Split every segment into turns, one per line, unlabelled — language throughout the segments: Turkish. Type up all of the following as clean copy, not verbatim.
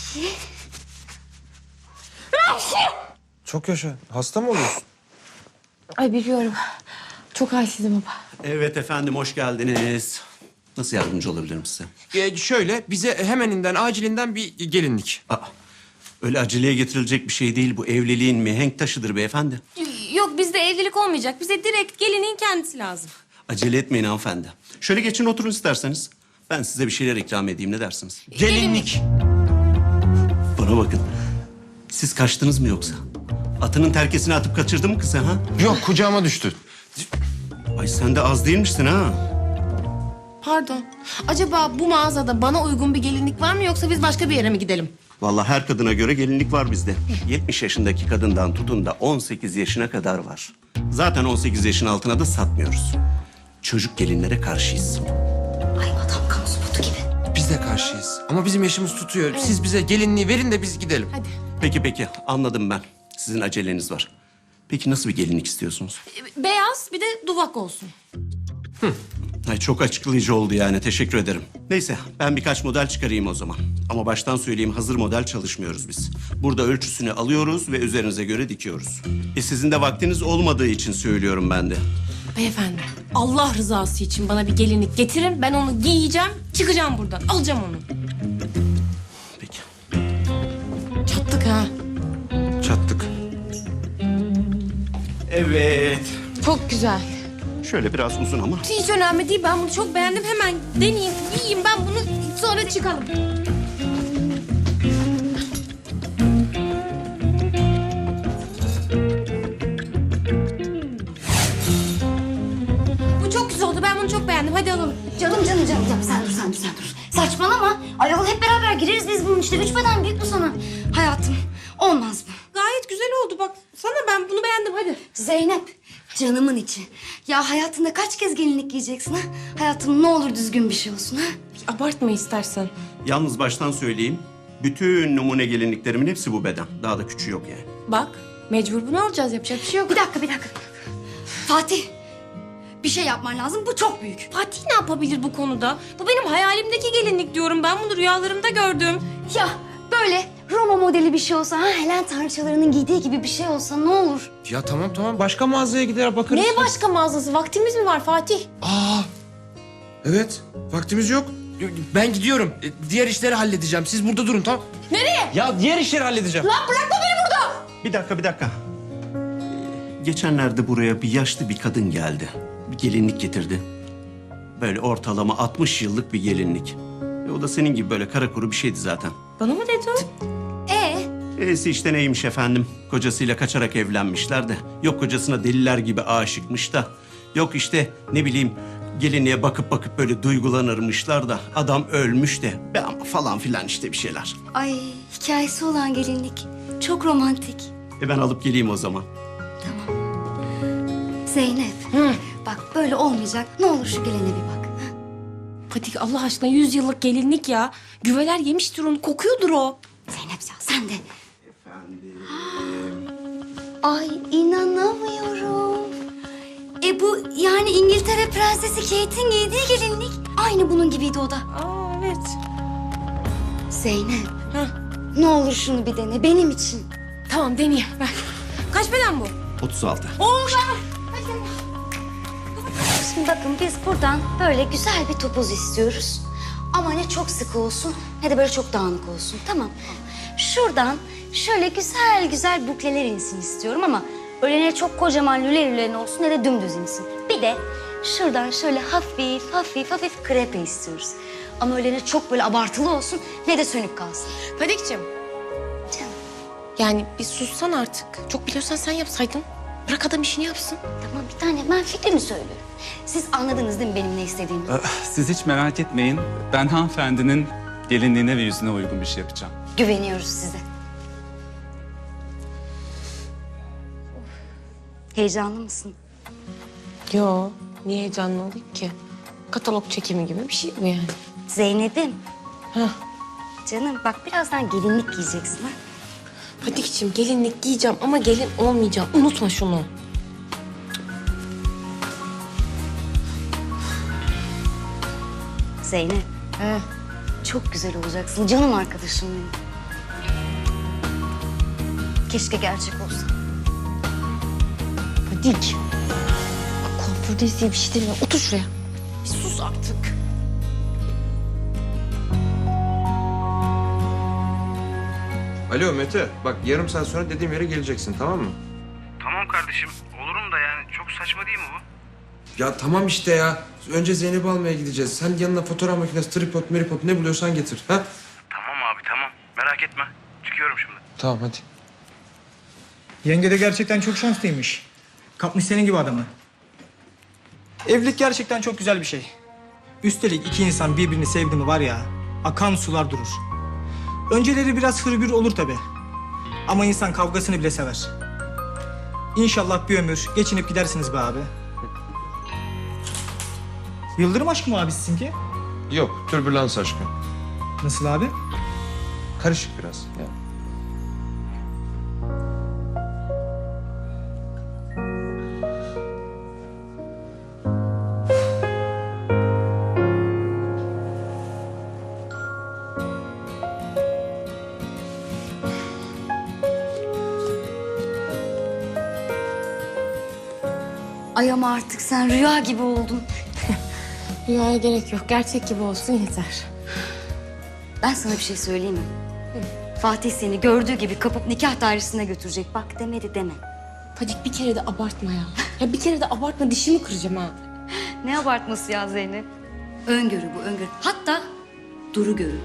Çok yaşa. Hasta mı oluyorsun?
Ay biliyorum. Çok halsizim baba.
Evet efendim, hoş geldiniz. Nasıl yardımcı olabilirim size?
Şöyle bize hemeninden acilinden bir gelinlik.
Aa, öyle aceleye getirilecek bir şey değil bu. Evliliğin mihenk taşıdır beyefendi.
Yok bizde evlilik olmayacak. Bize direkt gelinin kendisi lazım.
Acele etmeyin hanımefendi. Şöyle geçin oturun isterseniz. Ben size bir şeyler ikram edeyim, ne dersiniz?
Gelinlik.
Bana bakın. Siz kaçtınız mı yoksa? Atının terkesini atıp kaçırdı mı kızı ha?
Yok, kucağıma düştü.
Ay sen de az değilmişsin ha.
Pardon. Acaba bu mağazada bana uygun bir gelinlik var mı yoksa biz başka bir yere mi gidelim?
Vallahi her kadına göre gelinlik var bizde. 70 yaşındaki kadından tutun da 18 yaşına kadar var. Zaten 18 yaşın altına da satmıyoruz. Çocuk gelinlere karşıyız.
Ay adam kamu spotu gibi.
Biz de karşıyız. Ama bizim yaşımız tutuyor. Siz bize gelinliği verin de biz gidelim.
Hadi.
Peki anladım ben. Sizin aceleniz var. Peki nasıl bir gelinlik istiyorsunuz?
Beyaz bir de duvak olsun.
Ay çok açıklayıcı oldu yani. Teşekkür ederim. Neyse ben birkaç model çıkarayım o zaman. Ama baştan söyleyeyim, hazır model çalışmıyoruz biz. Burada ölçüsünü alıyoruz ve üzerinize göre dikiyoruz. Sizin de vaktiniz olmadığı için söylüyorum ben de.
Beyefendi Allah rızası için bana bir gelinlik getirin. Ben onu giyeceğim, çıkacağım buradan. Alacağım onu.
Peki.
Çattık ha.
Çattık.
Evet.
Çok güzel.
Şöyle biraz uzun ama.
Hiç önemli değil. Ben bunu çok beğendim. Hemen deneyeyim, giyeyim. Ben bunu sonra çıkalım. Bu çok güzel oldu. Ben bunu çok beğendim. Hadi alalım.
Canım. Sen dur. Saçmalama. Ayol hep beraber gireriz biz bunun işte. 3 beden büyük bu sana. Hayatım olmaz mı?
Gayet güzel oldu. Bak sana ben bunu beğendim. Hadi.
Zeynep canımın içi. Ya hayatında kaç kez gelinlik giyeceksin ha? Hayatım ne olur düzgün bir şey olsun ha?
Abartma istersen.
Yalnız baştan söyleyeyim. Bütün numune gelinliklerimin hepsi bu beden. Daha da küçüğü yok yani.
Bak mecbur bunu alacağız. Yapacak bir şey yok.
Bir dakika. Fatih bir şey yapman lazım. Bu çok büyük.
Fatih ne yapabilir bu konuda? Bu benim hayalimdeki gelinlik diyorum. Ben bunu rüyalarımda gördüm.
Ya böyle Roma modeli bir şey olsa ha? Helen tanrıçalarının giydiği gibi bir şey olsa ne olur?
Ya tamam. Başka mağazaya gider bakarız.
Neye başka mağazası? Vaktimiz mi var Fatih?
Evet. Vaktimiz yok. Ben gidiyorum. Diğer işleri halledeceğim. Siz burada durun, tamam?
Nereye?
Ya diğer işleri halledeceğim.
Lan bırakma beni burada!
Bir dakika. Geçenlerde buraya bir yaşlı bir kadın geldi. Bir gelinlik getirdi. Böyle ortalama 60 yıllık bir gelinlik. O da senin gibi böyle kara kuru bir şeydi zaten.
Bana mı dedi o?
E'si işte neymiş efendim? Kocasıyla kaçarak evlenmişler de. Yok kocasına deliler gibi aşıkmış da. Yok işte ne bileyim gelinliğe bakıp böyle duygulanırmışlar da. Adam ölmüş de. Be ama falan filan işte bir şeyler.
Ay hikayesi olan gelinlik. Çok romantik.
Ben alıp geleyim o zaman.
Zeynep. Bak böyle olmayacak. Ne olur şu gelene bir bak.
Fatih Allah aşkına 100 yıllık gelinlik ya. Güveler yemiştir onu. Kokuyordur o.
Zeynep ya sen de. Ay inanamıyorum. Bu yani İngiltere Prensesi Kate'in giydiği gelinlik. Aynı bunun gibiydi o da.
Aa evet.
Zeynep.
Heh.
Ne olur şunu bir dene benim için.
Tamam deneyeyim. Ver. Kaç beden bu?
36.
Şimdi bakın biz buradan böyle güzel bir topuz istiyoruz. Ama ne çok sıkı olsun ne de böyle çok dağınık olsun. Tamam. Şuradan şöyle güzel bukleler insin istiyorum ama öyle ne çok kocaman lüle olsun ne de dümdüz insin. Bir de şuradan şöyle hafif krepe istiyoruz. Ama öyle ne çok böyle abartılı olsun ne de sönük kalsın.
Fatih'ciğim.
Canım
Yani bir sussan artık. Çok biliyorsan sen yapsaydın. Bırak adam işini yapsın.
tamam bir tane ben fikrimi söylüyorum. Siz anladınız değil mi benim ne istediğimi?
Siz hiç merak etmeyin. Ben hanımefendinin gelinliğine ve yüzüne uygun bir şey yapacağım.
Güveniyoruz size. Heyecanlı mısın?
Yo. Niye heyecanlı olayım ki? Katalog çekimi gibi bir şey bu yani.
Zeynep'im.
Heh.
Canım bak birazdan gelinlik giyeceksin ha.
Fatih'ciğim gelinlik giyeceğim ama gelin olmayacağım. Unutma şunu.
Zeynep.
He.
Çok güzel olacaksın canım arkadaşım benim. Keşke gerçek olsa.
Fadik. Bak kuafördeyiz diye bir şey demiyor. Otur şuraya. Bir sus artık.
Alo Mete, bak yarım saat sonra dediğim yere geleceksin, tamam mı?
Tamam kardeşim, olurum da yani çok saçma değil mi bu?
Ya tamam işte ya. Önce Zeynep'i almaya gideceğiz. Sen yanına fotoğraf makinesi, tripod, meripod ne buluyorsan getir. Ha?
Tamam abi tamam, merak etme. Çıkıyorum şimdi.
Tamam hadi.
Yenge de gerçekten çok şanslıymış. Kapmış senin gibi adamı. Evlilik gerçekten çok güzel bir şey. Üstelik iki insan birbirini sevdi mi var ya, akan sular durur. Önceleri biraz hırgür olur tabii. Ama insan kavgasını bile sever. İnşallah bir ömür geçinip gidersiniz be abi. Yıldırım aşkı mı abi sizinki?
Yok, türbülans aşkı.
Nasıl abi?
Karışık biraz. Ya.
Ay ama artık sen rüya gibi oldun.
Rüyaya gerek yok. Gerçek gibi olsun yeter.
Ben sana bir şey söyleyeyim mi? Fatih seni gördüğü gibi kapıp nikah dairesine götürecek. Bak demedi deme.
Fadik bir kere de abartma ya. Ya bir kere de abartma, dişimi kıracağım ha.
Ne abartması ya Zeynep? Öngörü bu, öngörü. Hatta duru görü.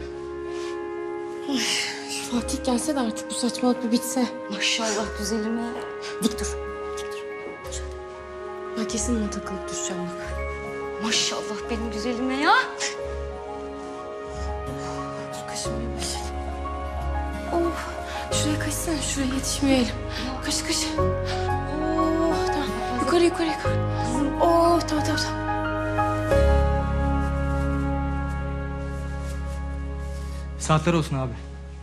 Şu Fatih gelse de artık bu saçmalık bir bitse.
Maşallah güzelime. Dik dur.
Ben kesin ona takılıp düşeceğim bak.
Maşallah benim güzelime ya.
Dur kaşınmaya başladı. Oh, şuraya kaçsana, şuraya yetişmeyelim. Kaç kaç. Oh, tamam. Yukarı yukarı yukarı. Oh, tamam tamam tamam.
Saatler olsun abi.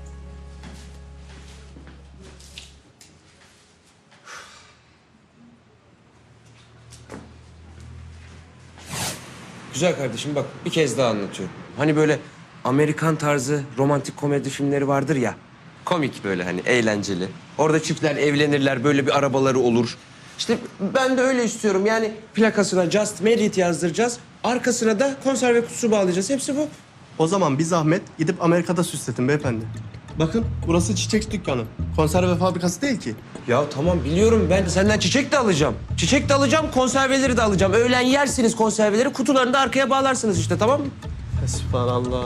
Güzel kardeşim bak bir kez daha anlatıyorum. Hani böyle Amerikan tarzı romantik komedi filmleri vardır ya. Komik böyle hani eğlenceli. Orada çiftler evlenirler, böyle bir arabaları olur. İşte ben de öyle istiyorum. Yani plakasına Just Married yazdıracağız. Arkasına da konserve kutusu bağlayacağız. Hepsi bu.
O zaman bir zahmet gidip Amerika'da süsletin beyefendi. Bakın burası çiçek dükkanı. Konserve fabrikası değil ki.
Ya tamam biliyorum, ben senden çiçek de alacağım. Çiçek de alacağım, konserveleri de alacağım. Öğlen yersiniz konserveleri, kutularını da arkaya bağlarsınız işte, tamam mı?
Sübhanallah.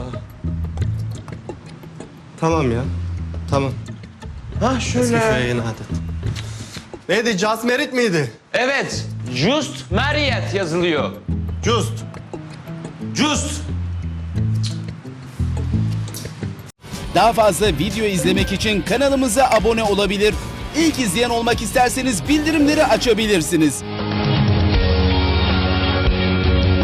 Tamam ya. Tamam.
Ha
Eski
şöyle.
köye yeni adet. Neydi? Just Merit miydi?
Evet, Just Married yazılıyor.
Just.
Just.
Daha fazla video izlemek için kanalımıza abone olabilir. İlk izleyen olmak isterseniz bildirimleri açabilirsiniz.